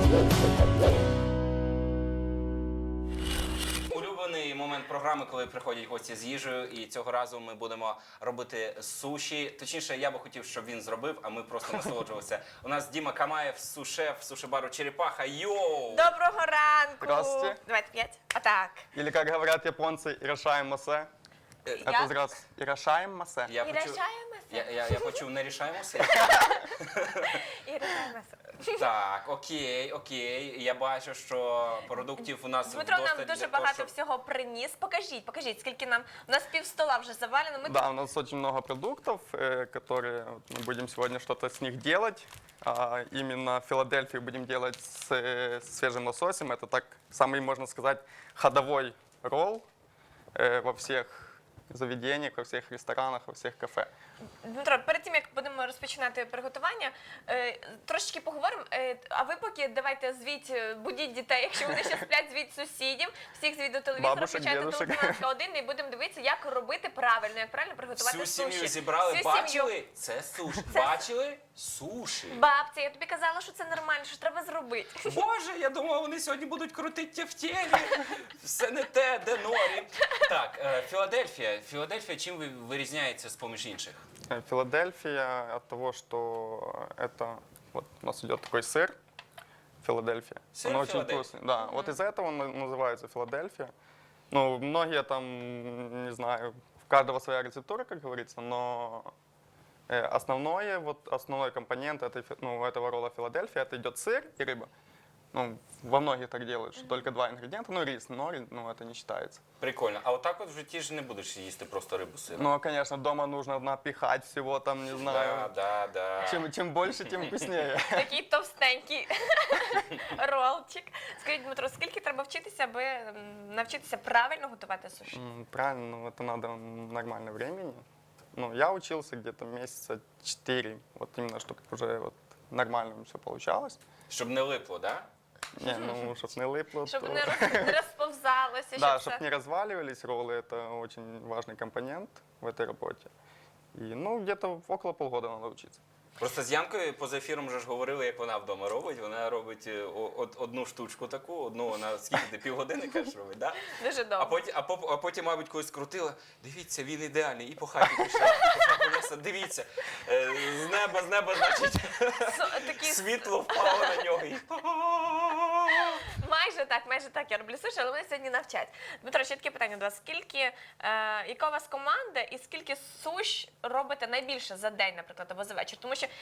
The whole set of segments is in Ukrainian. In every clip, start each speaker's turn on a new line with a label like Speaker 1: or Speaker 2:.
Speaker 1: Улюблений момент програми, коли приходять гості з їжею, і цього разу ми будемо робити суші. Точніше, я би хотів, щоб він зробив, а ми просто насолоджувалися. У нас Діма Камаєв, сушеф суші-бару «Черепаха». Йоу!
Speaker 2: Доброго ранку!
Speaker 3: Здравствуйте.
Speaker 2: Давайте 5. Отак.
Speaker 3: Или, как говорят японцы, «Ирошаем масе». Это раз «Ирошаем масе».
Speaker 1: Я
Speaker 2: І
Speaker 1: почув,
Speaker 2: рішаємося.
Speaker 1: я почув, не рішаємося.
Speaker 2: І рішаємося.
Speaker 1: Так, окей. Я бачу, що продуктів у нас
Speaker 2: Дмитро
Speaker 1: вдосталь
Speaker 2: нам
Speaker 1: для
Speaker 2: дуже
Speaker 1: того,
Speaker 2: багато
Speaker 1: щоб-
Speaker 2: всього приніс. Покажіть, скільки нам. У нас півстола вже завалено. Ми
Speaker 3: Да, у нас очень много продуктов, которые мы будем сегодня что-то с них делать. Именно в Филадельфии будем делать с свежим лососем. Это так самый, можно сказать, ходовой ролл во всех заведениях, во всех ресторанах, во всех кафе.
Speaker 2: Дмитро, перед тим як будемо розпочинати приготування, трошечки поговоримо. А ви поки давайте звіть, будіть дітей, якщо вони ще сплять, звіть сусідів, всіх звіть до телевізора,
Speaker 3: Бабушек,
Speaker 2: включайте
Speaker 3: дедушек.
Speaker 2: телеканал 1 і будемо дивитися, як робити правильно, як правильно приготувати
Speaker 1: Всю
Speaker 2: суші.
Speaker 1: сім'ю зібрали,
Speaker 2: Всю сім'ю.
Speaker 1: бачили? Це суші. Бачили? Суші.
Speaker 2: Бабця, я тобі казала, що це нормально, що треба зробити.
Speaker 1: Боже, я думав, вони сьогодні будуть крутити в тілі. Все не те, де норі. Так, Філадельфія. Філадельфія чим вирізняється з-поміж інших?
Speaker 3: Филадельфия от того, что это, вот у нас идет такой сыр, Филадельфия.
Speaker 1: Сыр
Speaker 3: Он очень
Speaker 1: Филадельфия.
Speaker 3: вкусный. Да, вот из-за этого он называется Филадельфия. Ну, многие там, не знаю, в каждого своя рецептура, как говорится, но основной компонент этого ролла Филадельфия, это идет сыр и рыба. Ну, во многих так делают, что только два ингредиента, ну, рис, но это не считается.
Speaker 1: Прикольно. А отак от в житті ж не будеш їсти просто рибу з сиром.
Speaker 3: Ну, конечно, дома нужно напихать всего там, не знаю.
Speaker 1: Да.
Speaker 3: Чем больше, тем вкуснее.
Speaker 2: Такий товстенький ролчик. Скажіть, Дмитро, скільки треба вчитися, аби навчитися правильно готувати суші?
Speaker 3: Правильно, ну, это надо нормально времени. Ну, я учился где-то месяца 4, вот именно, чтобы уже вот нормально все получалось.
Speaker 1: Щоб не липло, да?
Speaker 3: Не, ну, чтобы не липло,
Speaker 2: Щоб
Speaker 3: то...
Speaker 2: не розповзалося,
Speaker 3: Да,
Speaker 2: щоб
Speaker 3: чтобы
Speaker 2: все.
Speaker 3: не разваливались роллы, это очень важный компонент в этой работе. И, ну, где-то около полгода надо учиться.
Speaker 1: Просто з Янкою поза ефіром вже ж говорили, як вона вдома робить. Вона робить одну штучку таку, одну вона скільки ти півгодини кажеш робить, да?
Speaker 2: Дуже добре.
Speaker 1: А потім, мабуть, когось скрутила. Дивіться, він ідеальний. І по хаті пішов. Понесла. Дивіться, з неба, значить,
Speaker 2: Такі
Speaker 1: світло впало на нього. І...
Speaker 2: майже так я роблю суші, але мене сьогодні навчать. Дмитро, ще таке питання до вас. Яка у вас команда і скільки суш робите найбільше за день, наприклад, або за вечір? Тому що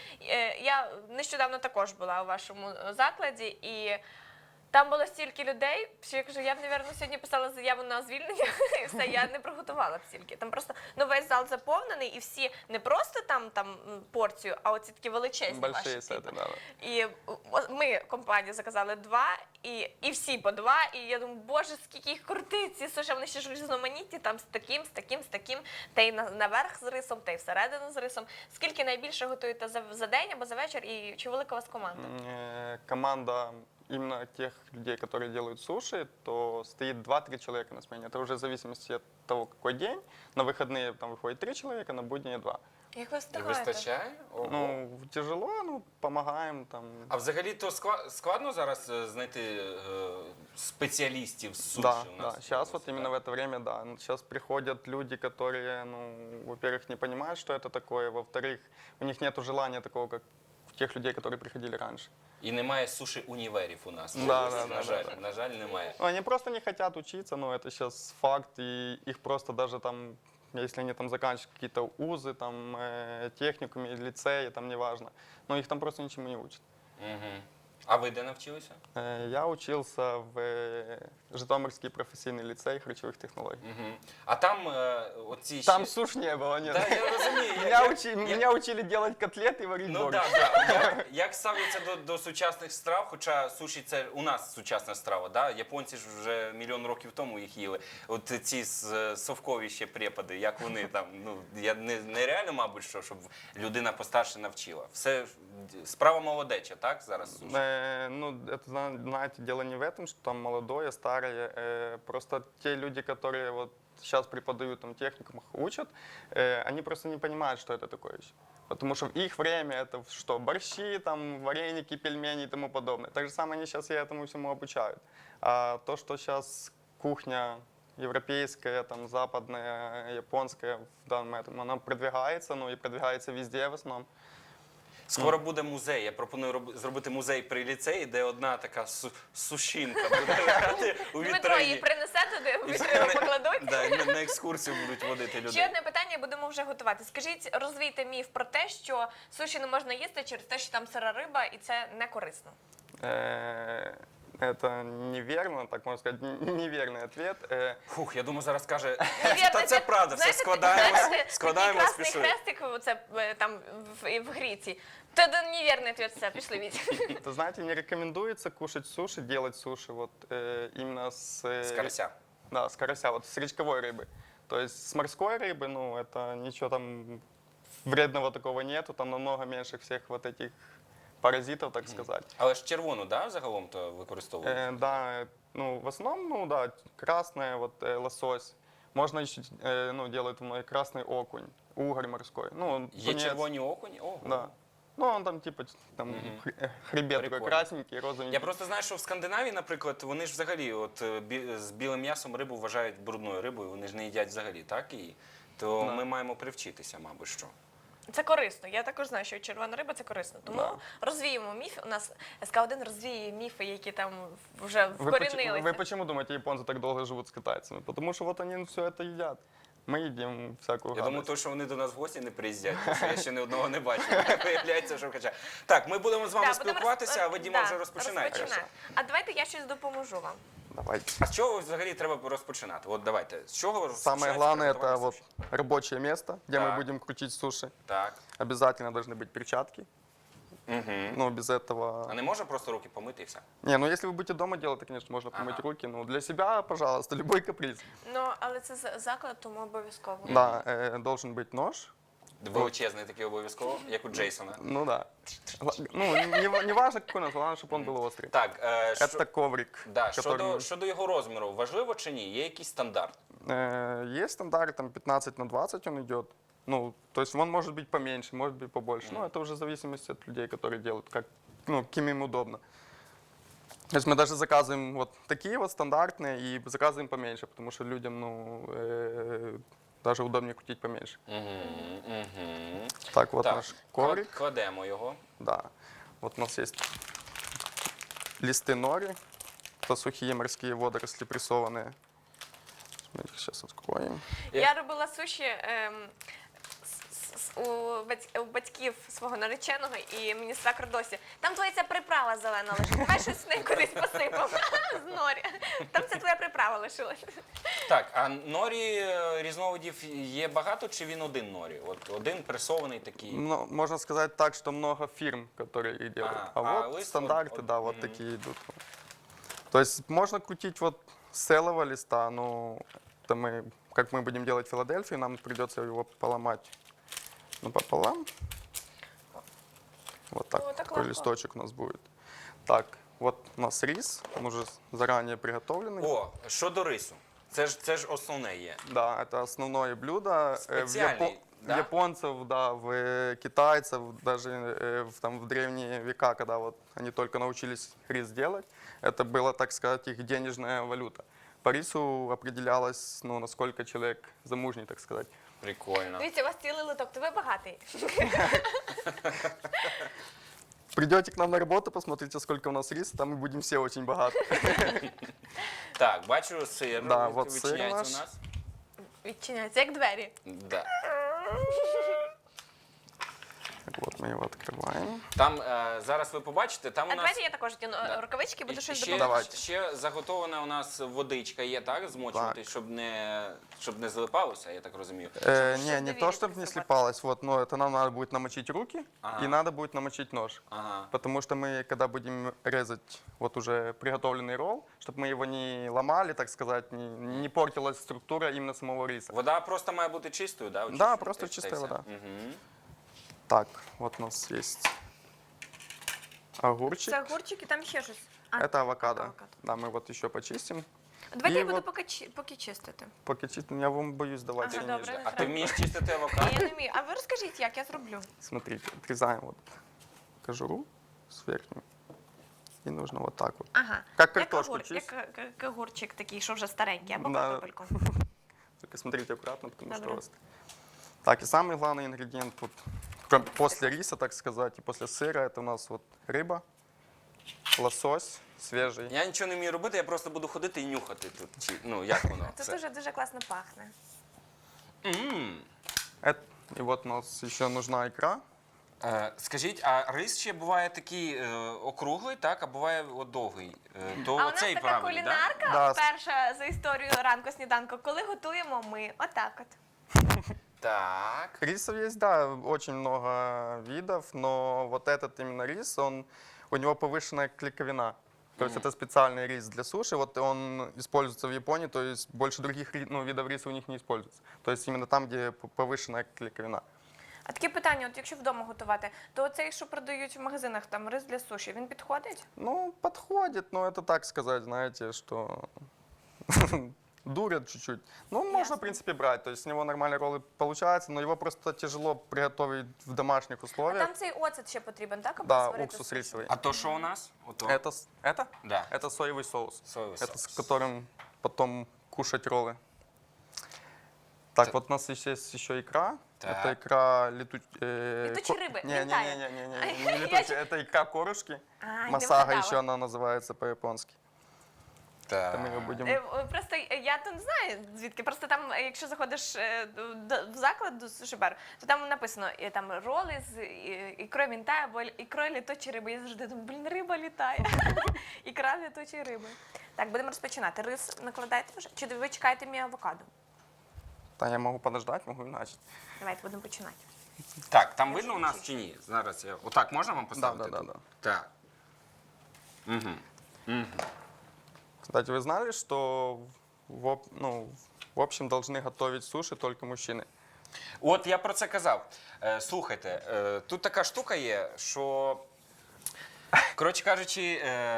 Speaker 2: я нещодавно також була у вашому закладі, і там було стільки людей, що я кажу, я б, мабуть, сьогодні писала заяву на звільнення, і все, я не приготувала б стільки. Там просто весь зал заповнений, і всі не просто там порцію, а оці такі величезні
Speaker 3: Большие
Speaker 2: ваші.
Speaker 3: сеты, да.
Speaker 2: І ми, компанію, заказали 2, і всі по 2, і я думаю, боже, скільки їх крутить, ці суші, вони ще ж різноманітні, там з таким, та й наверх з рисом, та й всередину з рисом. Скільки найбільше готуєте за день або за вечір, і чи велика у вас команда?
Speaker 3: Команда именно тех людей, которые делают суши, то стоит 2-3 человека на смене. Это уже в зависимости от того, какой день. На выходные там выходит 3 человека, на будні 2.
Speaker 2: Як ви
Speaker 1: І
Speaker 2: встигаєте?
Speaker 1: вистачає? Ого.
Speaker 3: Ну, тяжело, ну, помогаем там.
Speaker 1: А взагалі то складно зараз знайти спеціалістів з суші
Speaker 3: Да,
Speaker 1: у
Speaker 3: да.
Speaker 1: нас?
Speaker 3: Сейчас вот именно в это время, да. Сейчас приходят люди, которые, ну, во-первых, не понимают, что это такое, во-вторых, у них нет желания такого, как у тех людей, которые приходили раньше.
Speaker 1: І немає суші-універів у нас.
Speaker 3: Да,
Speaker 1: На жаль, немає.
Speaker 3: Ну, они просто не хотят учиться, но это сейчас факт, и их просто даже там, если они там заканчивают какие-то вузы, там, техникумы, лицеи, там, неважно, но их там просто ничему не учат.
Speaker 1: Угу. А ви де навчилися?
Speaker 3: Я учился в Житомирский профессийный лицей харчевых технологий.
Speaker 1: Угу. А там оці ще...
Speaker 3: Там суш не было, нет.
Speaker 1: Да, я розумію.
Speaker 3: Меня учили делать котлеты и варить
Speaker 1: Ну
Speaker 3: борщ.
Speaker 1: так. Як ставляться до сучасних страв, хоча суші це у нас сучасна страва, да? Японці ж вже мільйон років тому їх їли. От ці совкові ще препади, як вони там, ну, нереально, мабуть, щоб людина постарше навчила. Все, справа молодеча, так, зараз суші?
Speaker 3: Ну, это, знаете, дело не в этом, что там молодое, старое. Просто те люди, которые вот сейчас преподают там техникумах, учат, они просто не понимают, что это такое еще. Потому что в их время это что? Борщи, там, вареники, пельмени и тому подобное. Так же самое они сейчас и этому всему обучают. А то, что сейчас кухня европейская, там, западная, японская в данном этом, она продвигается, ну и продвигается везде в основном.
Speaker 1: Скоро буде музей. Я пропоную зробити музей при ліцеї, де одна така сушінка буде грати у
Speaker 2: Дмитро її
Speaker 1: вітрині.
Speaker 2: принесе туди, в
Speaker 1: І
Speaker 2: вітрину
Speaker 1: всі
Speaker 2: покладуть.
Speaker 1: Да, на екскурсію будуть водити
Speaker 2: Ще
Speaker 1: людей.
Speaker 2: одне питання, будемо вже готувати. Скажіть, розвійте міф про те, що суші не можна їсти через те, що там сира риба, і це не корисно.
Speaker 3: Это неверно, так можно сказать, неверный ответ.
Speaker 1: Фух, я думаю, зараз каже,
Speaker 2: Невірно,
Speaker 1: та це правда, все складаємо,
Speaker 2: такий
Speaker 1: спішуємо.
Speaker 2: красний хрестик оце, там в гріці. Це невірний ответ, все, пішли від.
Speaker 3: Вы знаете, не рекомендуется кушать суши, делать суши вот именно
Speaker 1: З карася.
Speaker 3: Да, с карася, вот с речковой рыбы. То есть с морской рыбы, ну, это ничего там вредного такого нету, там намного меньше всех вот этих паразитов, так сказать.
Speaker 1: Але ж червону, да, загалом то використовують?
Speaker 3: Да, ну, в основном, ну, да, красная, вот лосось. Можно еще, ну, делают красный окунь, угорь морской. Ну,
Speaker 1: Є
Speaker 3: тунец.
Speaker 1: червоні окуні? Ого.
Speaker 3: Да. Ну, он там, типа, там хребет такой
Speaker 1: Прикольно.
Speaker 3: красненький, розовенький.
Speaker 1: Я просто знаю, що в Скандинавії, наприклад, вони ж взагалі от, з білим м'ясом рибу вважають брудною рибою, вони ж не їдять взагалі, так? І, то
Speaker 3: Да.
Speaker 1: ми маємо привчитися, мабуть, що.
Speaker 2: Це корисно. Я також знаю, що червона риба це корисно. Тому
Speaker 3: Да.
Speaker 2: розвіємо міф. У нас СК1 розвіює міфи, які там вже
Speaker 3: Вы
Speaker 2: вкорінилися.
Speaker 3: вы почему думаете, японцы так долго живут с китайцами? Потому что вот они все это едят. Мы едим всякую
Speaker 1: Я думаю,
Speaker 3: гадость.
Speaker 1: то, що вони до нас в гості не приїздять, тому що я ще ні одного не бачив. Виявляється, що хоча. Так, ми будемо з вами
Speaker 2: Да, будемо
Speaker 1: спілкуватися, а ви, Діма,
Speaker 2: да,
Speaker 1: вже розпочинаєте.
Speaker 2: розпочинаю. А давайте я щось допоможу вам.
Speaker 3: Давайте.
Speaker 1: А з чого взагалі треба розпочинати? От давайте. З чого
Speaker 3: Самое
Speaker 1: розпочинається
Speaker 3: главное это
Speaker 1: приготування
Speaker 3: вот
Speaker 1: суші?
Speaker 3: рабочее место, где мы
Speaker 1: Так.
Speaker 3: будем крутить суши.
Speaker 1: Так.
Speaker 3: Обязательно должны быть перчатки.
Speaker 1: Угу.
Speaker 3: Ну, без этого...
Speaker 1: А не можна просто руки помити і все?
Speaker 3: Не, ну если вы будете дома делать, то, конечно, можно помыть
Speaker 1: Ага.
Speaker 3: руки. Ну, для себя, пожалуйста, любой каприз.
Speaker 2: Ну, але це заклад, тому обов'язково.
Speaker 3: Да, должен быть нож.
Speaker 1: Величезний такий обов'язково, як у Джейсона.
Speaker 3: Ну да. Ну, не важно, какой нож, главное, чтобы он был острый.
Speaker 1: Так,
Speaker 3: Это коврик,
Speaker 1: да,
Speaker 3: который...
Speaker 1: щодо його розміру, важливо чи ні? Є якийсь стандарт?
Speaker 3: Есть стандарт, там 15 на 20 он идет. Ну, то есть он может быть поменьше, может быть побольше. Ну, это уже в зависимости от людей, которые делают, как, ну, каким им удобно. То есть мы даже заказываем вот такие вот стандартные и заказываем поменьше, потому что людям, ну, даже удобнее крутить поменьше.
Speaker 1: Угу.
Speaker 3: Так, вот
Speaker 1: Так,
Speaker 3: наш коврик.
Speaker 1: кладемо його.
Speaker 3: Да. Вот у нас есть листы нори, это сухие морские водоросли прессованные. Мы их сейчас откроем.
Speaker 2: Я робила суші у батьків свого нареченого, і мені свекр досі. Там твоя ця приправа зелена лежить. Давай щось в неї кудись посипав з норі. Там це твоя приправа лишилась.
Speaker 1: Так, а норі різновидів є багато, чи він один норі? От один пресований такий.
Speaker 3: Ну, можно сказать так, что много фирм, которые их делают.
Speaker 1: Ага.
Speaker 3: А
Speaker 1: А
Speaker 3: вот
Speaker 1: лист
Speaker 3: стандарты,
Speaker 1: вот-
Speaker 3: да, вот
Speaker 1: мгм.
Speaker 3: такие идут. То есть можно крутить вот с целого листа, но это мы, как мы будем делать Филадельфию, нам придется его поломать пополам. Вот так,
Speaker 2: О, так
Speaker 3: такой
Speaker 2: легко.
Speaker 3: листочек у нас будет. Так, вот у нас рис, он уже заранее приготовленный.
Speaker 1: О, щодо рису. Це ж основне є.
Speaker 3: Да, это основное блюдо.
Speaker 1: Специальный, да?
Speaker 3: Японцев, да, китайцев, даже там, в древние века, когда вот они только научились рис делать, это была, так сказать, их денежная валюта. По рису определялось, ну, насколько человек замужний, так сказать.
Speaker 1: Прикольно.
Speaker 2: Дивіться, у вас цілий литок, то ви багатий.
Speaker 3: Придете к нам на работу, посмотрите, сколько у нас риса, там мы будем все очень богаты.
Speaker 1: Так, бачу, сир
Speaker 3: Да, от сир
Speaker 1: відчиняється у
Speaker 3: наш.
Speaker 1: нас.
Speaker 2: Відчиняється, як двері.
Speaker 1: Да.
Speaker 3: Так, вот мы его открываем.
Speaker 1: Там зараз ви побачите, там
Speaker 2: А
Speaker 1: у нас
Speaker 2: давайте я також одягну рукавички, буду щось
Speaker 1: ще,
Speaker 2: допомагати.
Speaker 1: ще заготована у нас водичка є, так? Змочувати,
Speaker 3: Так.
Speaker 1: щоб не злипалося, я так розумію.
Speaker 3: Не
Speaker 2: доверие
Speaker 3: то, чтобы не
Speaker 2: присыпать.
Speaker 3: слипалось, вот, но это нам надо будет намочить руки
Speaker 1: Ага.
Speaker 3: и надо будет намочить нож.
Speaker 1: Ага.
Speaker 3: Потому что мы, когда будем резать вот уже приготовленный ролл, чтобы мы его не ломали, так сказать, не портилась структура именно самого риса.
Speaker 1: Вода просто має бути чистою, да?
Speaker 3: Да, просто чистая вода.
Speaker 1: Угу.
Speaker 3: Так, вот у нас есть огурчик.
Speaker 2: Це огурчик і там ще щось.
Speaker 3: Это авокадо.
Speaker 2: авокадо.
Speaker 3: Да, мы вот еще почистим.
Speaker 2: Давайте
Speaker 3: І
Speaker 2: я буду
Speaker 3: от-
Speaker 2: поки чистити.
Speaker 3: Поки чисто, я вам боюсь давать.
Speaker 2: Ага, добре, не
Speaker 1: А ти
Speaker 2: треба.
Speaker 1: вмієш чистити авокадо?
Speaker 2: Я не вмію. А ви розкажіть, як я зроблю?
Speaker 3: Смотрите, отрезаем вот кожуру с верхней. И нужно вот так вот.
Speaker 2: Ага.
Speaker 3: Как картошку
Speaker 2: як
Speaker 3: чистить.
Speaker 2: огурчик такий, що вже старенький, або
Speaker 3: Да.
Speaker 2: картопельку.
Speaker 3: Только смотрите аккуратно, потому
Speaker 2: Добре.
Speaker 3: что у вас... Так, и самый главный ингредиент вот, после риса, так сказать, и после сыра, это у нас вот рыба, лосось свежий.
Speaker 1: Я нічого не вмію робити, я просто буду ходити і нюхати тут. Ну, як воно?
Speaker 2: Це
Speaker 1: Це.
Speaker 2: дуже класно пахне.
Speaker 3: И вот у нас еще нужна икра.
Speaker 1: Скажіть, а рис ще буває такий округлий, так, а буває от довгий. То
Speaker 2: А у нас
Speaker 1: оцей
Speaker 2: така
Speaker 1: правильний, так?
Speaker 2: кулінарка,
Speaker 3: Да.
Speaker 2: перша за історію ранку сніданку, коли готуємо ми. Отак от.
Speaker 1: Так.
Speaker 3: Рисов есть, да, очень много видов, но вот этот именно рис, у него повышенная клейковина. То есть это специальный рис для суши, вот он используется в Японии, то есть больше других видов риса у них не используется. То есть именно там, где повышенная клейковина.
Speaker 2: А таке питання, от якщо вдома готувати, то оцей, що продають в магазинах, там рис для суші, він підходить?
Speaker 3: Ну, подходит, но это так сказать, знаете, что дурят чуть-чуть. Ну, можно,
Speaker 2: Ясно.
Speaker 3: в принципе, брать, то есть с него нормальные роллы получаются, но его просто тяжело приготовить в домашних
Speaker 2: А
Speaker 3: условиях.
Speaker 2: там цей оцет ще потрібен, так? Аби
Speaker 3: Да,
Speaker 2: сварити
Speaker 3: уксус
Speaker 2: суші?
Speaker 3: рисовый.
Speaker 1: А то що у нас? Ото.
Speaker 3: Это?
Speaker 1: Да.
Speaker 3: Это соевый соус.
Speaker 1: Соевый
Speaker 3: Это с
Speaker 1: соус.
Speaker 3: которым потом кушать роллы. Так, вот у нас есть еще икра.
Speaker 1: Так.
Speaker 3: Это икра
Speaker 2: Летучей рыбы,
Speaker 3: Не,
Speaker 2: лентая.
Speaker 3: не летучая, это икра корушки.
Speaker 2: А, не
Speaker 3: Масага
Speaker 2: вгадала.
Speaker 3: еще она называется по-японски.
Speaker 1: Так.
Speaker 3: Мы ее будем...
Speaker 2: Просто я тут не знаю звідки. Просто там, якщо заходиш в заклад до суші-бару, то там написано там роли з ікрою мінтає або ікрою літучої риби. Я завжди думаю, блін, риба літає. Ікра літучої риби. Так, будемо розпочинати. Рис накладаєте вже? Чи ви чекаєте мій авокадо?
Speaker 3: Да, я могу подождать, могу и начать.
Speaker 2: Давайте будемо починати.
Speaker 1: Так, там видно у нас чи ні? Зараз я. Отак можна вам поставити?
Speaker 3: Да.
Speaker 1: тут? Так. Угу.
Speaker 3: Кстати, вы знали, что в общем должны готовить суши только мужчины?
Speaker 1: От я про це казав. Слухайте, тут така штука є, що, коротше кажучи,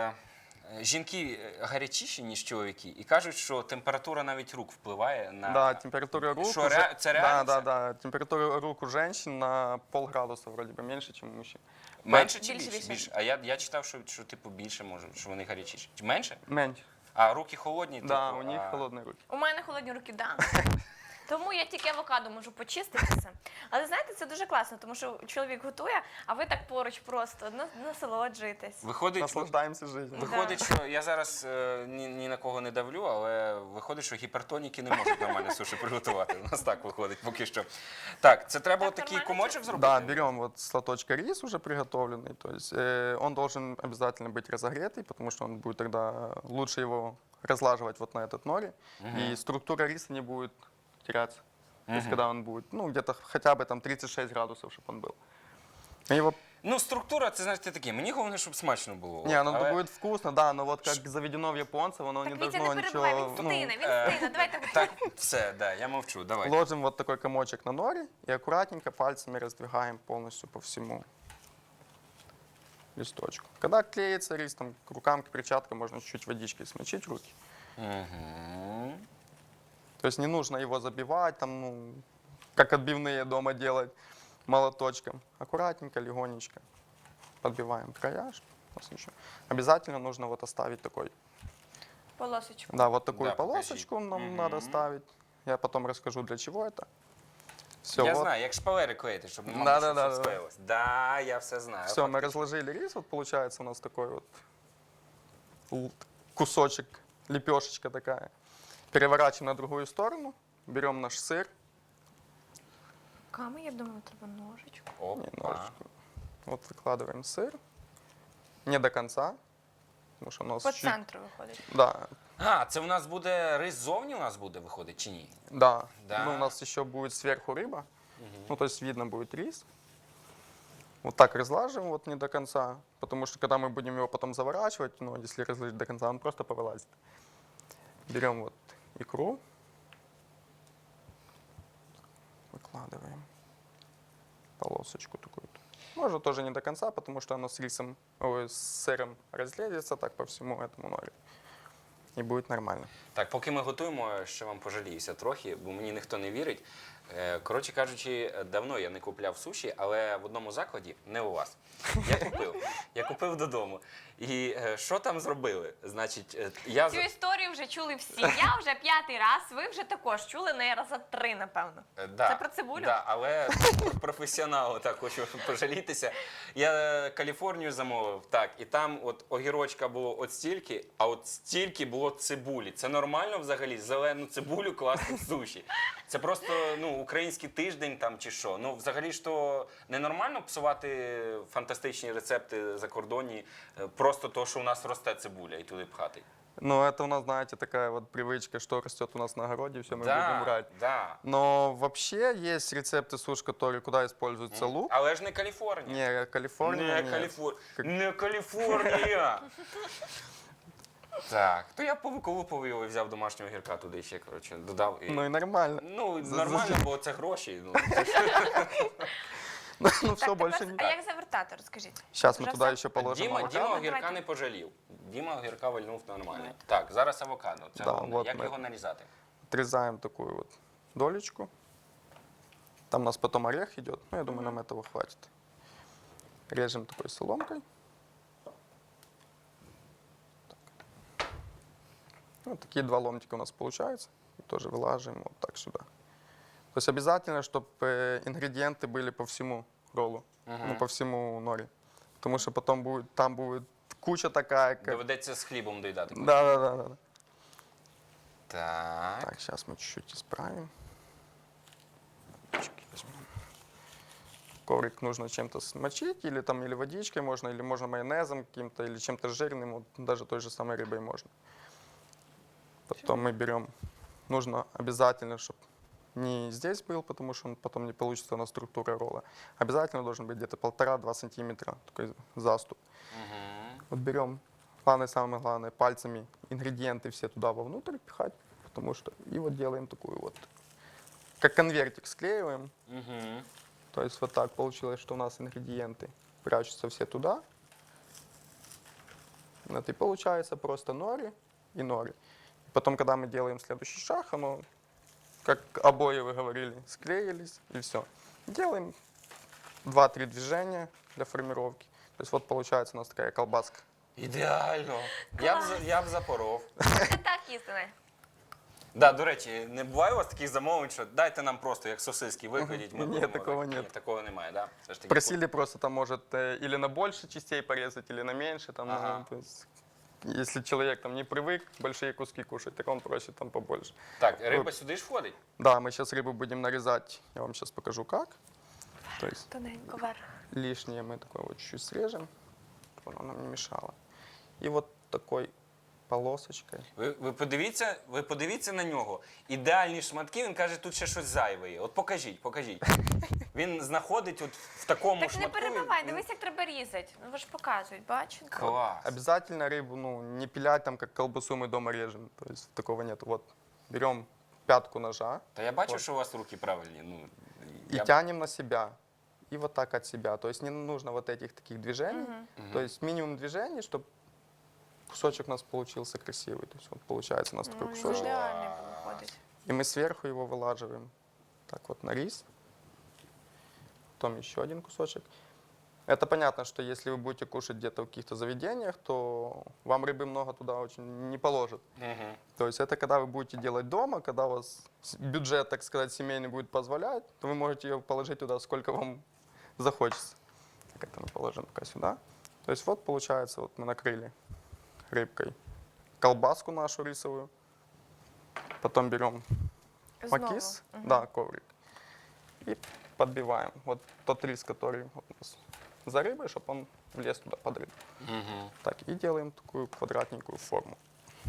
Speaker 1: жінки гарячіші, ніж чоловіки, і кажуть, що температура навіть рук впливає на.
Speaker 3: Да, температура рук...
Speaker 1: Что, это реально?
Speaker 3: Да. Температура рук у женщин на полградуса вроде бы меньше, чем у мужчин.
Speaker 1: Менше чи
Speaker 2: Більше,
Speaker 1: більше?
Speaker 2: більше.
Speaker 1: А я читав, що типу більше може, що вони гарячіші. Менше?
Speaker 3: Меньше.
Speaker 1: А руки холодні?
Speaker 3: Да,
Speaker 1: типу,
Speaker 3: у них
Speaker 1: а-
Speaker 3: холодные руки.
Speaker 2: У мене холодні руки, да. Тому я тільки авокадо можу почиститися. Але знаєте, це дуже класно, тому що чоловік готує, а ви так поруч просто насолоджуєтесь.
Speaker 1: Виходить,
Speaker 3: Наслаждаемся жизнью.
Speaker 1: Виходить, що я зараз ні на кого не давлю, але виходить, що гіпертоніки не можуть нормально суші приготувати. У нас так виходить поки що. Так, це треба
Speaker 2: Так,
Speaker 1: отакий
Speaker 2: нормально
Speaker 1: комочок зробити?
Speaker 3: Да, берем вот с лоточка рис уже приготовленный, то есть он должен обязательно быть разогретый, потому что он будет тогда лучше его разлаживать вот на этот нори, и структура риса не будет теряться. То есть когда он будет, ну, где-то хотя бы там 36 градусов, чтобы он был. И его...
Speaker 1: Ну, структура, це, знаєте, таке. Мені головне, щоб смачно було.
Speaker 3: Не, оно
Speaker 1: Але-
Speaker 3: будет вкусно, да, но вот как заведено в японцев, оно
Speaker 2: Так,
Speaker 3: не
Speaker 2: Вітя,
Speaker 3: должно
Speaker 2: не перебивай,
Speaker 3: ничего...
Speaker 2: він
Speaker 3: ну,
Speaker 2: стина, він стина. Давайте
Speaker 1: Так, все, да, я мовчу, давай.
Speaker 3: ложим вот такой комочек на нори и аккуратненько пальцами раздвигаем полностью по всему листочку. Когда клеится рис, там, к рукам, к перчаткам можно чуть-чуть водичкой смочить руки.
Speaker 1: Угу.
Speaker 3: То есть не нужно его забивать, там, ну, как отбивные дома делать молоточком. Аккуратненько, легонечко подбиваем края. Чтоб у нас ничего. Обязательно нужно вот оставить такой,
Speaker 2: полосочку.
Speaker 3: да, вот такую
Speaker 1: Да,
Speaker 3: полосочку
Speaker 1: покажи.
Speaker 3: нам
Speaker 1: Мгм.
Speaker 3: надо ставить. Я потом расскажу, для чего это. Все,
Speaker 1: Я
Speaker 3: вот.
Speaker 1: знаю, як шпалери клеїти, щоб не
Speaker 3: Да-да-да.
Speaker 1: все склеїлось. Да, я все знаю.
Speaker 3: Все, мы разложили рис, вот получается у нас такой вот кусочек, лепешечка такая. Переворачиваем на другую сторону, берем наш сыр,
Speaker 2: Ками, я думаю, треба ножичку.
Speaker 3: не
Speaker 1: Опа.
Speaker 3: ножичку. Вот выкладываем сыр, не до конца, потому что у нас
Speaker 2: По
Speaker 3: чуть...
Speaker 2: центру виходить.
Speaker 3: Да,
Speaker 1: А, це у нас буде рис зовні у нас буде виходить чи ні?
Speaker 3: да.
Speaker 1: Да.
Speaker 3: Ну, у нас еще будет сверху рыба, ну, то есть видно будет рис. Вот так разлаживаем вот не до конца, потому что когда мы будем его потом заворачивать, ну, если разложить до конца, он просто повылазит. Берем вот икру, выкладываем полосочку такую. Можно тоже не до конца, потому что оно с рисом, ой, с сыром разлезется так по всему этому норю. и будет нормально.
Speaker 1: Так, поки ми готуємо, ще вам пожаліюся трохи, бо мені ніхто не вірить. Коротше кажучи, давно я не купляв суші, але в одному закладі, не у вас. Я купив додому. І що там зробили? Значить, я
Speaker 2: Цю історію вже чули всі. Я вже 5-й раз, ви вже також чули, не раза 3, напевно.
Speaker 1: Да,
Speaker 2: Це про цибулю?
Speaker 1: Да, але професіоналу так хочу пожалітися. Я Каліфорнію замовив, так, і там от огірочка було от стільки, а от стільки було цибулі. Це нормально взагалі зелену цибулю класти в суші? Це просто український тиждень там чи що? Ну, взагалі ж то ненормально псувати фантастичні рецепти закордонні, просто то, що у нас росте цибуля і туди пхати.
Speaker 3: Но это у нас, знаете, такая вот привычка, что растет у нас на огороде, все мы будем брать.
Speaker 1: Да.
Speaker 3: Но вообще есть рецепты суш, которые куда используется лук.
Speaker 1: Але ж не Каліфорнія.
Speaker 3: Не Калифорния, нет.
Speaker 1: Не Каліфорнія. Так, то я повиколупав його і взяв домашнього гірка туди ще, коротше, додав. І...
Speaker 3: Ну и нормально.
Speaker 1: Ну, нормально, бо це гроші. Ну.
Speaker 3: Ну все,
Speaker 2: Так,
Speaker 3: больше
Speaker 2: тепер,
Speaker 3: не.
Speaker 2: а як завертати, розкажіть?
Speaker 3: Сейчас мы
Speaker 2: Уже
Speaker 3: туда
Speaker 2: все?
Speaker 3: еще положим
Speaker 1: Діма
Speaker 3: авокадо.
Speaker 1: огірка
Speaker 2: Давайте.
Speaker 1: не пожалів. Діма огірка вальнув нормально. Так, зараз авокадо. Це
Speaker 3: Да,
Speaker 1: головне.
Speaker 3: вот
Speaker 1: Як
Speaker 3: ми-
Speaker 1: його нарізати?
Speaker 3: Отрезаем такую вот долечку. Там у нас потом орех идет. Ну, я думаю, нам этого хватит. Режем такой соломкой. Так. Вот такие 2 ломтика у нас получается. И тоже вылаживаем вот так сюда. То есть обязательно, чтобы ингредиенты были по всему роллу, ну, по всему нори. Потому что потом будет, там будет куча такая, как...
Speaker 1: Доведеться з хлібом доїдати.
Speaker 3: Да.
Speaker 1: Так.
Speaker 3: Так, сейчас мы чуть-чуть исправим. Чики возьмем. Коврик нужно чем-то смочить, или водичкой можно, или можно майонезом каким-то, или чем-то жирным, вот, даже той же самой рыбой можно. Потом мы берем, нужно обязательно, чтобы не здесь был, потому что он потом не получится у нас структура ролла. Обязательно должен быть где-то 1,5-2 сантиметра такой заступ. Вот берем, самое главное, пальцами ингредиенты все туда вовнутрь пихать, потому что и вот делаем такую вот, как конвертик склеиваем.
Speaker 1: Угу.
Speaker 3: То есть вот так получилось, что у нас ингредиенты прячутся все туда. Вот и получается просто нори и нори. И потом, когда мы делаем следующий шаг, оно, как обои вы говорили, склеились и все. Делаем 2-3 движения для формировки. То есть вот получается у нас такая колбаска.
Speaker 1: Ідеально. Я б запоров.
Speaker 2: Це так істина.
Speaker 1: Да, до речі, не буває у вас таких замовлень, що дайте нам просто як сосиски викладіть. Ми
Speaker 3: Ні,
Speaker 1: будемо
Speaker 3: такого
Speaker 1: так.
Speaker 3: нет.
Speaker 1: Ні, такого немає, да? Все ж таки.
Speaker 3: Просили просто там может или на больше частей порезать, или на меньше. Там,
Speaker 1: Ага.
Speaker 3: ну, то есть, если человек там не привык большие куски кушать, так он просит там побольше.
Speaker 1: Так, риба сюди ж входить?
Speaker 3: Да, мы сейчас рыбу будем нарезать. Я вам сейчас покажу как. То есть
Speaker 2: Тоненько вверх.
Speaker 3: лишнее мы такое вот чуть-чуть срежем, чтобы оно нам не мешало. И вот такой полосочкой.
Speaker 1: Ви подивіться на нього. Ідеальні шматки, він каже, тут ще щось зайве є. От покажіть. Він знаходить от в такому
Speaker 2: Так не
Speaker 1: шматку.
Speaker 2: перебивай, дивись, як треба різати. Ну ви ж показують, бачите?
Speaker 1: Клас.
Speaker 3: Обязательно рыбу не пилять там, как колбасу мы дома режем. То есть такого нет. Вот берем пятку ножа
Speaker 1: Та я бачу,
Speaker 3: Вот.
Speaker 1: що у вас руки правильні. Ну,
Speaker 3: и тянем на себя. И вот так от себя. То есть не нужно вот этих таких движений. То есть минимум движений, чтобы кусочек у нас получился красивый. То есть вот получается у нас такой
Speaker 2: Ну, він
Speaker 3: кусочек.
Speaker 2: ідеальний виходить.
Speaker 3: И мы сверху его вылаживаем. Так вот на рис. Потом еще один кусочек. Это понятно, что если вы будете кушать где-то в каких-то заведениях, то вам рыбы много туда очень не положат.
Speaker 1: Мгм.
Speaker 3: То есть это когда вы будете делать дома, когда у вас бюджет, так сказать, семейный будет позволять, то вы можете ее положить туда, сколько вам захочется. Так это мы положим пока сюда. То есть вот получается, вот мы накрыли рыбкой колбаску нашу рисовую. Потом берем
Speaker 2: Знову.
Speaker 3: макис, да, коврик, и подбиваем. Вот тот рис, который вот у нас за рыбой, чтобы он влез туда под рыбу.
Speaker 1: Мгм.
Speaker 3: Так, и делаем такую квадратненькую форму.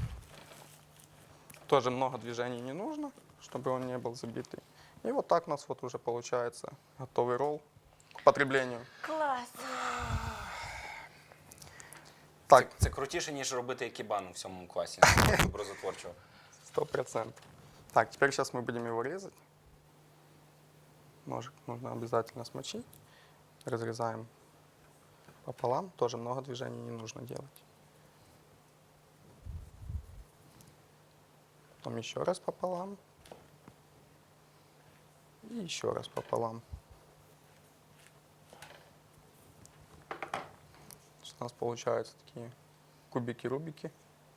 Speaker 3: Тоже много движений не нужно, чтобы он не был забитый. И вот так у нас вот уже получается готовый ролл к потреблению.
Speaker 2: Клас.
Speaker 3: Так,
Speaker 1: Це крутіше, ніж робити екібану в 7 класі образотворчого.
Speaker 3: 100%. Так, теперь сейчас мы будем его резать. Ножик нужно обязательно смочить. Разрезаем пополам. Тоже много движений не нужно делать. потом еще раз пополам. И еще раз пополам. У нас получаются такие кубики-рубики.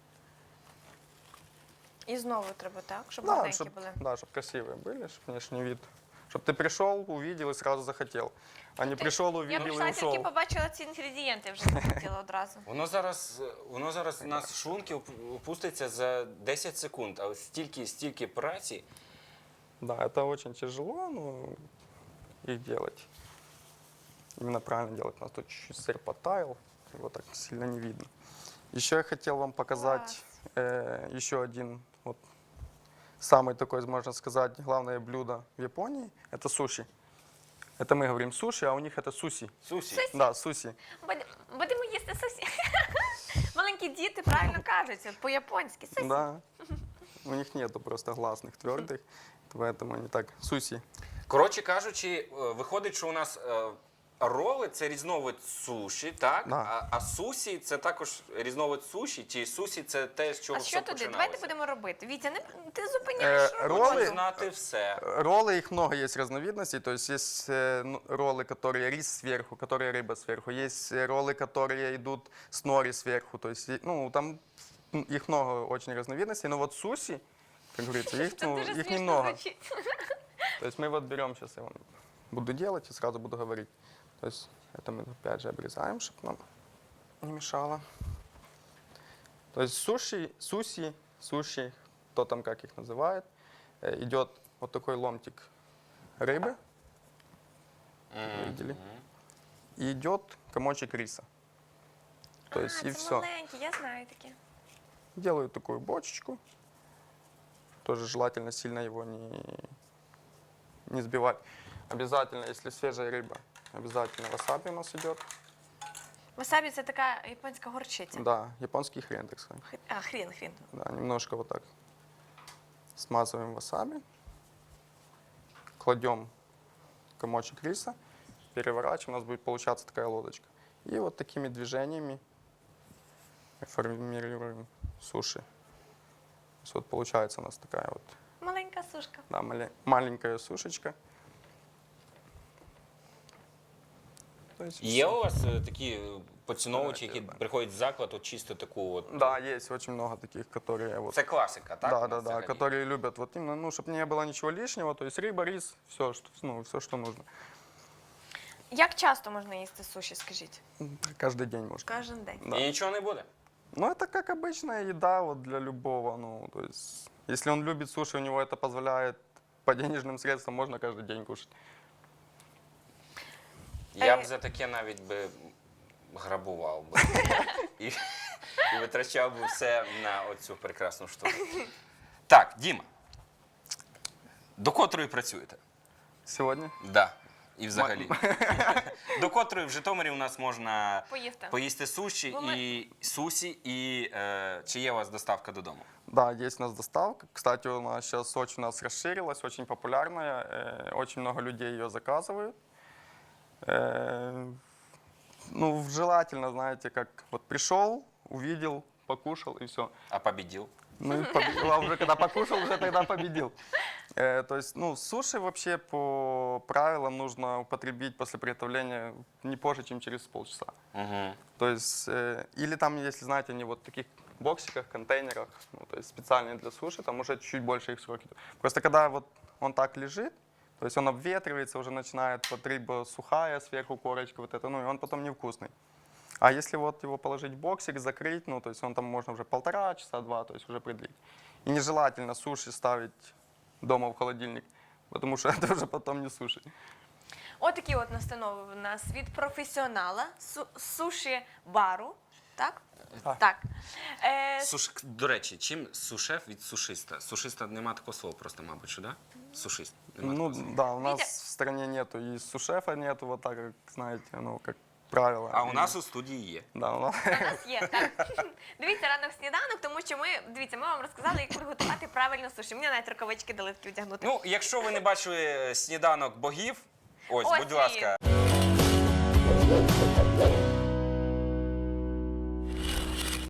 Speaker 2: І знову треба, так? Щоб
Speaker 3: Да,
Speaker 2: гладенькі
Speaker 3: чтоб,
Speaker 2: були.
Speaker 3: да, чтоб красивые были, чтоб внешний вид. Чтобы ты пришел, увидел и сразу захотел. А не пришел,
Speaker 2: Я
Speaker 3: увидел
Speaker 2: прийшла,
Speaker 3: и
Speaker 2: тільки
Speaker 3: ушел.
Speaker 2: побачила ці інгредієнти, вже захотіла одразу.
Speaker 1: Воно зараз у нас шлунки опуститься за 10 секунд, а ось стільки праці.
Speaker 3: Да, это очень тяжело, но их делать. Именно правильно делать. У нас тут чуть-чуть сыр потаял, его так сильно не видно. Еще я хотел вам показать еще один, вот, самый такой, можно сказать, главное блюдо в Японии. Это суши. Это мы говорим суши, а у них это суси.
Speaker 1: Сусі.
Speaker 3: Да, суси.
Speaker 2: Будемо їсти сосі. Маленькі діти правильно кажуть, от по-японськи. Сосі.
Speaker 3: Да. У них нету просто гласных твердых, поэтому они так суси.
Speaker 1: Коротше кажучи, виходить, що у нас роли це різновид суші, так?
Speaker 3: Да.
Speaker 1: А сусі це також різновид суші, чи сусі це те, з чого
Speaker 2: А
Speaker 1: все
Speaker 2: що туди?
Speaker 1: починалося?
Speaker 2: Давайте будемо робити. Вітя, ти зупиняєш
Speaker 3: роли-
Speaker 2: роботу.
Speaker 1: Хочу знати все.
Speaker 3: Роллы, их много есть разновидностей. То есть есть роллы, которые рис сверху, которые рыба сверху. Есть роллы, которые идут с нори сверху. То есть, ну, там их много очень разновидностей. Но вот суси, как говорится, их,
Speaker 2: Це
Speaker 3: ну,
Speaker 2: дуже
Speaker 3: их
Speaker 2: смішно
Speaker 3: немного.
Speaker 2: звучить.
Speaker 3: То есть мы вот берем, сейчас я вам буду делать и сразу буду говорить. То есть это мы опять же обрезаем, чтобы нам не мешало. То есть суши, кто там как их называет, идет вот такой ломтик рыбы, видели, и идет комочек риса. То есть и
Speaker 2: це
Speaker 3: все.
Speaker 2: маленькі, я знаю такі.
Speaker 3: Делаю такую бочечку. Тоже желательно сильно его не сбивать. Обязательно, если свежая рыба, обязательно васаби у нас идет.
Speaker 2: Васабі це така японська горчиця.
Speaker 3: Да, японский хрен, так сказать.
Speaker 2: А, хрін.
Speaker 3: Да, немножко вот так смазываем васаби. Кладем комочек риса, переворачиваем, у нас будет получаться такая лодочка. И вот такими движениями формируем суши. То есть вот получается у нас такая вот,
Speaker 2: Маленька сушка.
Speaker 3: да, маленькая сушечка. То есть
Speaker 1: Є
Speaker 3: всё.
Speaker 1: у вас такі поціновувачі, які
Speaker 3: Давайте, да.
Speaker 1: приходять в заклад, от чисто таку от.
Speaker 3: Да, есть очень много таких, которые вот.
Speaker 1: Це класика, так? у
Speaker 3: Да,
Speaker 1: нас
Speaker 3: да, да,
Speaker 1: взагалі?
Speaker 3: которые любят вот именно, ну, чтобы не было ничего лишнего, то есть рыба, рис, все, что, ну, все, что нужно.
Speaker 2: Як часто можна їсти суші, скажіть?
Speaker 3: Каждый день можно.
Speaker 2: Кожен день.
Speaker 3: Да.
Speaker 1: І нічого не буде.
Speaker 3: Ну, это как обычная еда вот для любого, ну, то есть, если он любит суши, у него это позволяет по денежным средствам, можно каждый день кушать.
Speaker 1: Я б за таке навіть би грабував би. І витрачав би все на оцю прекрасну штуку. Так, Діма. До котрої працюєте?
Speaker 3: Сегодня?
Speaker 1: Да. І взагалі. До котрої в Житомирі у нас можна
Speaker 2: Поїсти.
Speaker 1: поїсти суші
Speaker 2: Бо ми-
Speaker 1: і сусі, і чи є у вас доставка додому?
Speaker 3: Да, есть у нас доставка. Кстати, у нас сейчас очень у нас расширилась, очень популярная. Очень много людей ее заказывают. Ну, желательно, знаете, как вот пришел, увидел, покушал и все.
Speaker 1: А побідів?
Speaker 3: Ну, и победил. А уже когда покушал, уже тогда победил. То есть, ну, суши вообще по правилам нужно употребить после приготовления не позже, чем через полчаса.
Speaker 1: Угу.
Speaker 3: То есть, или там, если знаете, они вот в таких боксиках, контейнерах, ну, то есть специальные для суши, там уже чуть больше их сроки. Просто когда вот он так лежит, то есть он обветривается, уже начинает вот рыба сухая, сверху корочка вот это, ну, и он потом невкусный. А если вот его положить в боксик, закрыть, ну, то есть он там можно уже 1,5 часа, 2, то есть уже предлить. И нежелательно суши ставить дома в холодильник, потому что это уже потом не суши.
Speaker 2: Отакі от настанови в нас від професіонала суші-бару. Так?
Speaker 3: Так.
Speaker 2: Так.
Speaker 1: До речі, чим сушеф від сушиста? Сушиста нема такого слова просто, мабуть, що, да? Сушист. Нема
Speaker 3: Ну,
Speaker 1: такого слова.
Speaker 3: да, у нас
Speaker 2: Видите?
Speaker 3: в стране нету, и сушефа нету, вот так, как, знаете, ну, как правило.
Speaker 1: А у
Speaker 3: И-
Speaker 1: нас у студії є.
Speaker 3: Да, у нас...
Speaker 2: У нас є, так. Дивіться ранок сніданок, тому що ми вам розказали, як приготувати правильно суші. Мені навіть рукавички дали такі вдягнути.
Speaker 1: Ну, якщо ви не бачили сніданок богів, ось,
Speaker 2: Ось
Speaker 1: будь
Speaker 2: він.
Speaker 1: ласка.